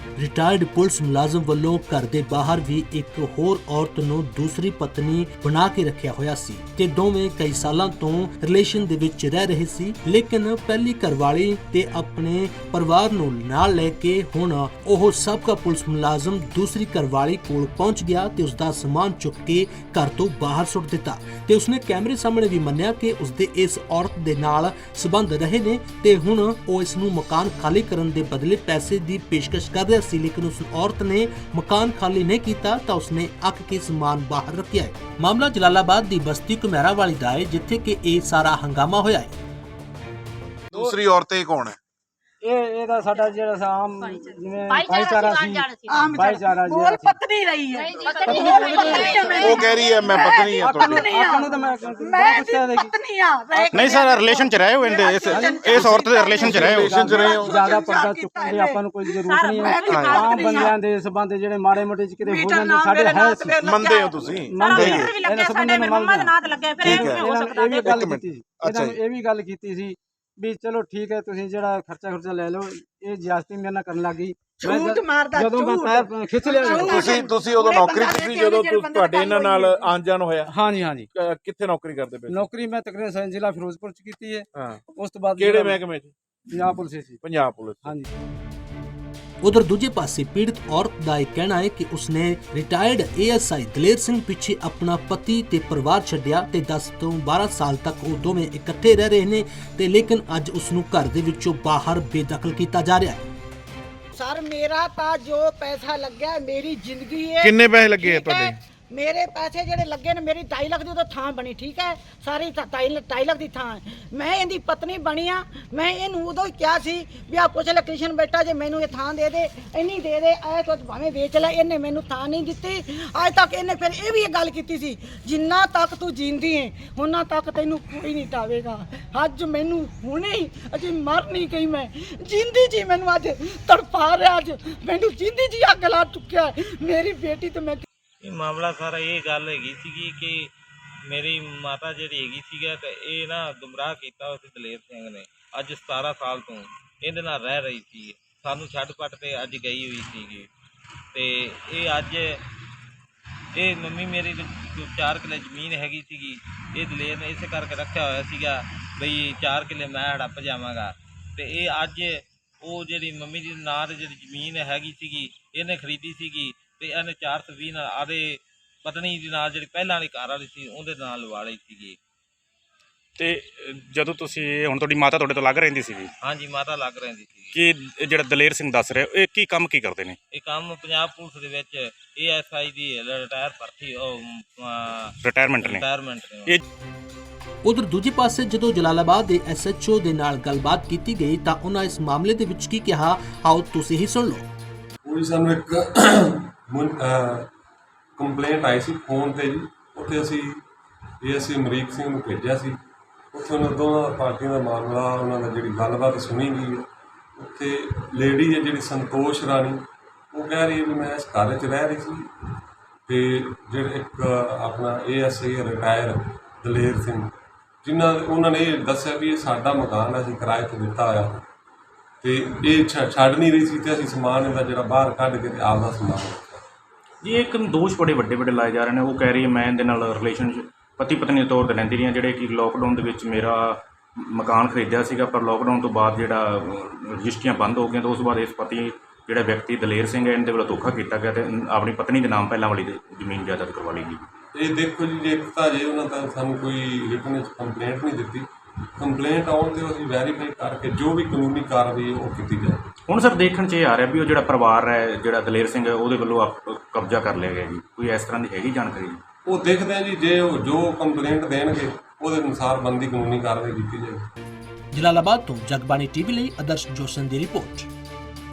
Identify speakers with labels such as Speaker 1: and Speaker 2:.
Speaker 1: Retired police ਮੁਲਾਜ਼ਮ ਵੱਲੋਂ ਘਰ ਦੇ ਬਾਹਰ ਵੀ ਇੱਕ ਹੋਰ ਔਰਤ ਨੂੰ ਦੂਸਰੀ ਪਤਨੀ ਬਣਾ ਕੇ ਰੱਖਿਆ ਹੋਇਆ ਸੀ ਤੇ ਦੋਵੇਂ ਕਈ ਸਾਲਾਂ ਤੋਂ ਰਿਲੇਸ਼ਨ ਦੇ ਵਿੱਚ ਰਹਿ ਰਹੇ ਸੀ। ਲੇਕਿਨ ਪਹਿਲੀ ਘਰਵਾਲੀ ਤੇ ਆਪਣੇ ਪਰਿਵਾਰ ਨੂੰ ਨਾਲ ਲੈ ਕੇ ਹੁਣ ਉਹ ਸਾਬਕਾ ਪੁਲਿਸ ਮੁਲਾਜ਼ਮ ਦੂਸਰੀ ਘਰਵਾਲੀ ਕੋਲ ਪਹੁੰਚ ਗਿਆ ਤੇ ਉਸ ਦਾ ਸਮਾਨ ਚੁੱਕ ਕੇ ਘਰ ਤੋਂ ਬਾਹਰ ਸੁੱਟ ਦਿੱਤਾ ਤੇ ਉਸਨੇ ਕੈਮਰੇ ਸਾਹਮਣੇ ਵੀ ਮੰਨਿਆ ਕਿ ਉਸਦੇ ਇਸ ਔਰਤ ਦੇ ਨਾਲ ਸਬੰਧ ਰਹੇ ਨੇ ਤੇ ਹੁਣ ਉਹ ਇਸ ਨੂੰ ਮਕਾਨ ਖਾਲੀ ਕਰਨ ਦੇ ਬਦਲੇ ਪੈਸੇ ਦੀ ਪੇਸ਼ਕਸ਼ ਕਰ ਰਿਹਾ ਸੀ। ਲੇਕਿਨ ਉਸ ਔਰਤ ਨੇ ਮਕਾਨ ਖਾਲੀ ਨਹੀਂ ਕੀਤਾ ਤਾਂ ਉਸਨੇ ਅੱਕ ਕੇ ਸਮਾਨ ਬਾਹਰ ਰੱਖਿਆ ਹੈ। ਮਾਮਲਾ ਜਲਾਲਾਬਾਦ ਦੀ ਬਸਤੀ ਕੁਮੇਰਾ ਵਾਲੀ ਦਾ ਹੈ ਜਿੱਥੇ ਕਿ ਇਹ ਸਾਰਾ ਹੰਗਾਮਾ ਹੋਇਆ ਹੈ।
Speaker 2: दूसरी औरतें कौन है?
Speaker 3: ਇਹਦਾ ਸਾਡਾ ਜਿਹੜਾ ਆਮ ਜਿਵੇਂ ਭਾਈਚਾਰਾ ਸੀ ਭਾਈਚਾਰਾ ਜੀ
Speaker 4: ਬੋਲ ਪਤਨੀ ਰਹੀ ਹੈ
Speaker 2: वो कह रही है मैं पत्नी है ਤੁਹਾਡੀ।
Speaker 3: ਆਪਾਂ ਨੂੰ ਤਾਂ ਮੈਂ ਪੁੱਛਿਆ ਦੇ
Speaker 4: ਪਤਨੀ ਆ
Speaker 5: ਨਹੀਂ ਸਰ ਰਿਲੇਸ਼ਨ ਚ ਰਹੇ ਹੋ ਇਹਦੇ ਇਸ ਔਰਤ ਦੇ ਰਿਲੇਸ਼ਨ ਚ ਰਹੇ ਹੋ
Speaker 3: ਜ਼ਿਆਦਾ ਪਰਦਾ ਚੁੱਕਣ ਦੀ ਆਪਾਂ ਨੂੰ ਕੋਈ ਜ਼ਰੂਰਤ ਨਹੀਂ ਹੈ। ਆਮ ਬੰਦਿਆਂ ਦੇ ਸਬੰਧ ਜਿਹੜੇ ਮਾੜੇ ਮੋਟੇ ਚ ਕਿਤੇ ਹੋ ਜਾਂਦੇ ਸਾਡੇ ਹੈ ਸੀ
Speaker 2: ਮੰਨਦੇ ਹੋ ਤੁਸੀਂ?
Speaker 3: ਮੰਨਦੇ
Speaker 4: ਵੀ ਲੱਗਿਆ ਸਾਡੇ ਮੰਮਾ ਦੇ ਨਾਂ ਤੇ ਲੱਗਿਆ ਫਿਰ
Speaker 2: ਠੀਕ ਹੈ।
Speaker 4: ਹੋ ਸਕਦਾ
Speaker 3: ਇਹ ਵੀ ਗੱਲ ਕੀਤੀ ਸੀ
Speaker 2: ਅੱਛਾ
Speaker 3: ਇਹ ਵੀ ਗੱਲ ਕੀਤੀ ਸੀ ਵੀ ਚਲੋ ਠੀਕ ਹੈ ਤੁਸੀਂ ਜਿਹੜਾ ਖਰਚਾ ਲੈ ਲਓ। ਇਹ ਜ਼ਿਆਦਤੀ ਮੇਰੇ ਨਾਲ ਕਰਨ ਲੱਗ ਗਈ।
Speaker 4: ਝੂਠ ਮਾਰਦਾ
Speaker 3: ਜਦੋਂ ਮੈਂ ਪੈਰ ਖਿੱਚ ਲਿਆ
Speaker 2: ਤੁਸੀਂ ਉਦੋਂ ਨੌਕਰੀ ਕੀਤੀ ਜਦੋਂ ਤੁਹਾਡੇ ਇਹਨਾਂ ਨਾਲ ਆਣ ਜਾਣ ਹੋਇਆ?
Speaker 3: ਹਾਂਜੀ ਹਾਂਜੀ
Speaker 2: ਕਿੱਥੇ ਨੌਕਰੀ ਕਰਦੇ ਪਏ?
Speaker 3: ਨੌਕਰੀ ਮੈਂ ਤਕਰੀਬਨ ਜ਼ਿਲ੍ਹਾ ਫਿਰੋਜ਼ਪੁਰ ਚ ਕੀਤੀ ਹੈ।
Speaker 2: ਹਾਂ,
Speaker 3: ਉਸ ਤੋਂ ਬਾਅਦ
Speaker 2: ਕਿਹੜੇ ਮਹਿਕਮੇ 'ਚ?
Speaker 3: ਪੰਜਾਬ ਪੁਲਿਸ ਸੀ।
Speaker 2: ਪੰਜਾਬ ਪੁਲਿਸ।
Speaker 3: ਹਾਂਜੀ।
Speaker 1: उधर दूजे पासे पीड़ित औरत का यह कहना है कि उसने रिटायर्ड ASI दलेर सिंह पीछे अपना पति ते परिवार छड्डिया ते 10 ਤੋਂ 12 साल तक वो दोवें इकट्ठे रह रहे ने ते लेकिन अज उसनू घर दे विचों बाहर बेदखल किया जा रहा है।
Speaker 4: ਸਰ ਮੇਰਾ ਤਾਂ ਜੋ ਪੈਸਾ ਲੱਗਿਆ ਮੇਰੀ ਜ਼ਿੰਦਗੀ ਹੈ।
Speaker 2: ਕਿੰਨੇ ਪੈਸੇ ਲੱਗੇ
Speaker 4: ਠੀਕ ਹੈ?
Speaker 2: ਤੁਹਾਡੇ?
Speaker 4: ਮੇਰੇ ਪੈਸੇ ਜਿਹੜੇ ਲੱਗੇ ਨੇ ਮੇਰੀ 2.5 ਲੱਖ ਦੀ ਉਦੋਂ ਥਾਂ ਬਣੀ। ਠੀਕ ਹੈ, ਸਾਰੀ 2.5 ਲੱਖ ਦੀ ਥਾਂ ਹੈ। ਮੈਂ ਇਹਦੀ ਪਤਨੀ ਬਣੀ ਆ। ਮੈਂ ਇਹਨੂੰ ਉਦੋਂ ਹੀ ਕਿਹਾ ਸੀ ਵੀ ਆ ਪੁੱਛ ਲੈ ਕ੍ਰਿਸ਼ਨ ਬੇਟਾ ਜੇ ਮੈਨੂੰ ਇਹ ਥਾਂ ਦੇ ਦੇ ਇੰਨੀ ਦੇ ਦੇ ਐ ਤੋ ਭਾਵੇਂ ਵੇਚ ਲੈ। ਇਹਨੇ ਮੈਨੂੰ ਥਾਂ ਨਹੀਂ ਦਿੱਤੀ ਅੱਜ ਤੱਕ। ਇਹਨੇ ਫਿਰ ਇਹ ਵੀ ਇਹ ਗੱਲ ਕੀਤੀ ਸੀ ਜਿੰਨਾ ਤੱਕ ਤੂੰ ਜਿੰਦੀ ਹੈ ਉਹਨਾਂ ਤੱਕ ਤੈਨੂੰ ਕੋਈ ਨਹੀਂ ਟਾਵੇਗਾ। ਅੱਜ ਮੈਨੂੰ ਹੁਣੇ ਹੀ ਅਜੇ ਮਰ ਨਹੀਂ ਗਈ, ਮੈਂ ਜਿੰਦੀ ਜੀ ਮੈਨੂੰ ਅੱਜ ਤੜਪਾ ਰਿਹਾ। ਅੱਜ ਮੈਨੂੰ ਜਿੰਦੀ ਜੀ ਅੱਗ ਲਾ ਚੁੱਕਿਆ ਮੇਰੀ ਬੇਟੀ ਤੇ ਮੈਂ।
Speaker 6: ਇਹ ਮਾਮਲਾ ਸਾਰਾ ਇਹ ਗੱਲ ਹੈਗੀ ਸੀਗੀ ਕਿ ਮੇਰੀ ਮਾਤਾ ਜਿਹੜੀ ਹੈਗੀ ਸੀਗਾ ਤੇ ਇਹ ਨਾ ਗੁੰਮਰਾਹ ਕੀਤਾ ਉਸ ਦਲੇਰ ਸਿੰਘ ਨੇ। ਅੱਜ 17 ਸਾਲ ਤੋਂ ਇਹਦੇ ਨਾਲ ਰਹਿ ਰਹੀ ਸੀ। ਸਾਨੂੰ ਛੱਡ ਪੱਟ ਤੇ ਅੱਜ ਗਈ ਹੋਈ ਸੀਗੀ ਤੇ ਇਹ ਅੱਜ ਇਹ ਮੰਮੀ ਮੇਰੀ 4 ਕਿੱਲੇ ਜ਼ਮੀਨ ਹੈਗੀ ਸੀਗੀ। ਇਹ ਦਲੇਰ ਨੇ ਇਸੇ ਕਰਕੇ ਰੱਖਿਆ ਹੋਇਆ ਸੀਗਾ ਬਈ 4 ਕਿੱਲੇ ਮੈਂ ਹੜੱਪ ਜਾਵਾਂਗਾ ਤੇ ਇਹ ਅੱਜ ਉਹ ਜਿਹੜੀ ਮੰਮੀ ਦੀ ਨਾਂ ਤੇ ਜਿਹੜੀ ਜ਼ਮੀਨ ਹੈਗੀ ਸੀਗੀ ਇਹਨੇ ਖਰੀਦੀ ਸੀਗੀ ਤੇ ਇਹਨੇ 420 ਨਾਲ ਆਦੇ ਪਤਨੀ ਦੇ ਨਾਲ ਜਿਹੜੀ ਪਹਿਲਾਂ ਵਾਲੀ ਘਰ ਵਾਲੀ ਸੀ ਉਹਦੇ ਨਾਲ ਲਵਾ ਲਈ ਸੀਗੀ।
Speaker 5: ਤੇ ਜਦੋਂ ਤੁਸੀਂ ਹੁਣ ਤੁਹਾਡੀ ਮਾਤਾ ਤੁਹਾਡੇ ਤੋਂ ਲੱਗ ਰਹਿੰਦੀ ਸੀਗੀ?
Speaker 6: ਹਾਂਜੀ, ਮਾਤਾ ਲੱਗ ਰਹਿੰਦੀ ਸੀ।
Speaker 5: ਕਿ ਜਿਹੜਾ ਦਲੇਰ ਸਿੰਘ ਦੱਸ ਰਿਹਾ ਇਹ ਕੀ ਕੰਮ ਕੀ ਕਰਦੇ ਨੇ?
Speaker 6: ਇਹ ਕੰਮ ਪੰਜਾਬ ਪੁਲਿਸ ਦੇ ਵਿੱਚ ASI ਦੀ ਰਿਟਾਇਰ ਭਰਤੀ
Speaker 5: ਰਿਟਾਇਰਮੈਂਟ ਨੇ।
Speaker 6: ਰਿਟਾਇਰਮੈਂਟ
Speaker 1: ਉਧਰ ਦੂਜੇ ਪਾਸੇ ਜਦੋਂ ਜਲਾਲਾਬਾਦ ਦੇ SHO ਦੇ ਨਾਲ ਗੱਲਬਾਤ ਕੀਤੀ ਗਈ ਤਾਂ ਉਹਨਾਂ ਇਸ ਮਾਮਲੇ ਦੇ ਵਿੱਚ ਕੀ ਕਿਹਾ, ਆਓ ਤੁਸੀਂ ਹੀ ਸੁਣ ਲਓ।
Speaker 7: ਕੋਈ ਸਾਨੂੰ ਇੱਕ ਕੰਪਲੇਂਟ ਆਈ ਸੀ ਫੋਨ ਤੇ ਜੀ। ਉੱਥੇ ਅਸੀਂ ASI ਅਮਰੀਕ ਸਿੰਘ ਨੂੰ ਭੇਜਿਆ ਸੀ। ਉੱਥੇ ਉਹਨਾਂ ਦੋਨਾਂ ਪਾਰਟੀਆਂ ਦਾ ਮਾਮਲਾ ਉਹਨਾਂ ਦਾ ਜਿਹੜੀ ਗੱਲਬਾਤ ਸੁਣੀ ਗਈ ਹੈ। ਉੱਥੇ ਲੇਡੀ ਹੈ ਜਿਹੜੀ ਸੰਤੋਸ਼ ਰਾਣੀ, ਉਹ ਕਹਿ ਰਹੀ ਹੈ ਵੀ ਮੈਂ ਇਸ ਘਰ 'ਚ ਰਹਿ ਰਹੀ ਸੀ ਅਤੇ ਜਿਹੜੇ ਇੱਕ ਆਪਣਾ ASI ਰਿਟਾਇਰ ਦਲੇਰ ਸਿੰਘ ਉਹਨਾਂ ਨੇ ਇਹ ਦੱਸਿਆ ਵੀ ਇਹ ਸਾਡਾ ਮਕਾਨ ਅਸੀਂ ਕਿਰਾਏ 'ਤੇ ਦਿੱਤਾ ਹੋਇਆ ਅਤੇ ਇਹ ਛੱਡ ਨਹੀਂ ਰਹੀ ਸੀ ਅਤੇ ਅਸੀਂ ਸਮਾਨ ਇਹਦਾ ਜਿਹੜਾ ਬਾਹਰ ਕੱਢ ਕੇ ਅਤੇ ਆਪਦਾ ਸਮਾਨ
Speaker 5: ਜੀ ਇੱਕ ਦੋਸ਼ ਬੜੇ ਵੱਡੇ ਲਾਏ ਜਾ ਰਹੇ ਨੇ। ਉਹ ਕਹਿ ਰਹੀ ਹੈ ਮੈਂ ਇਹਦੇ ਨਾਲ ਰਿਲੇਸ਼ਨ ਪਤੀ ਪਤਨੀ ਦੇ ਤੌਰ 'ਤੇ ਰਹਿੰਦੀ ਰਹੀ ਹਾਂ। ਜਿਹੜੇ ਕਿ ਲੋਕਡਾਊਨ ਦੇ ਵਿੱਚ ਮੇਰਾ ਮਕਾਨ ਖਰੀਦਿਆ ਸੀਗਾ ਪਰ ਲੋਕਡਾਊਨ ਤੋਂ ਬਾਅਦ ਜਿਹੜਾ ਰਜਿਸਟਰੀਆਂ ਬੰਦ ਹੋ ਗਈਆਂ ਤਾਂ ਉਸ ਤੋਂ ਬਾਅਦ ਇਸ ਪਤੀ ਜਿਹੜਾ ਵਿਅਕਤੀ ਦਲੇਰ ਸਿੰਘ ਹੈ ਇਹਦੇ ਵੱਲੋਂ ਧੋਖਾ ਕੀਤਾ ਗਿਆ ਅਤੇ ਆਪਣੀ ਪਤਨੀ ਦੇ ਨਾਮ ਪਹਿਲਾਂ ਵਾਲੀ ਜ਼ਮੀਨ ਜਾਇਦਾਦ ਕਰਵਾ ਲਈ ਗਈ।
Speaker 7: ਇਹ ਦੇਖੋ ਜੀ, ਜੇ ਇੱਕ ਤਾਂ ਜੇ ਉਹਨਾਂ ਤਾਂ ਸਾਨੂੰ ਕੋਈ ਰਿਟਨ ਵਿੱਚ ਕੰਪਲੇਂਟ ਨਹੀਂ ਦਿੱਤੀ। ਕੰਪਲੇਂਟ ਆਉਣ 'ਤੇ ਅਸੀਂ ਵੈਰੀਫਾਈ ਕਰਕੇ ਜੋ ਵੀ ਕਾਨੂੰਨੀ ਕਾਰਵਾਈ ਉਹ ਕੀਤੀ ਜਾਏ।
Speaker 5: ਹੁਣ ਸਰ ਦੇਖਣ 'ਚ ਇਹ ਆ ਰਿਹਾ ਵੀ ਉਹ ਜਿਹੜਾ ਪਰਿਵਾਰ ਹੈ ਜਿਹੜਾ ਦਲੇਰ ਸਿੰਘ ਹੈ ਉਹਦੇ ਵੱਲੋਂ ਕਬਜ਼ਾ ਕਰ ਲਿਆ ਗਿਆ ਜੀ। ਕੋਈ ਇਸ ਤਰ੍ਹਾਂ ਦੀ ਹੈਗੀ ਜਾਣਕਾਰੀ?
Speaker 7: ਉਹ ਦੇਖਦੇ ਆ ਜੀ, ਜੇ ਉਹ ਜੋ ਕੰਪਲੇਂਟ ਦੇਣਗੇ ਉਹਦੇ ਅਨੁਸਾਰ ਬਣਦੀ ਕਾਨੂੰਨੀ ਕਾਰਵਾਈ ਕੀਤੀ ਜਾਏਗੀ।
Speaker 1: ਜਲਾਲਾਬਾਦ ਤੋਂ ਜਗਬਾਣੀ TV ਲਈ ਆਦਰਸ਼ ਜੋਸ਼ਨ ਦੀ ਰਿਪੋਰਟ।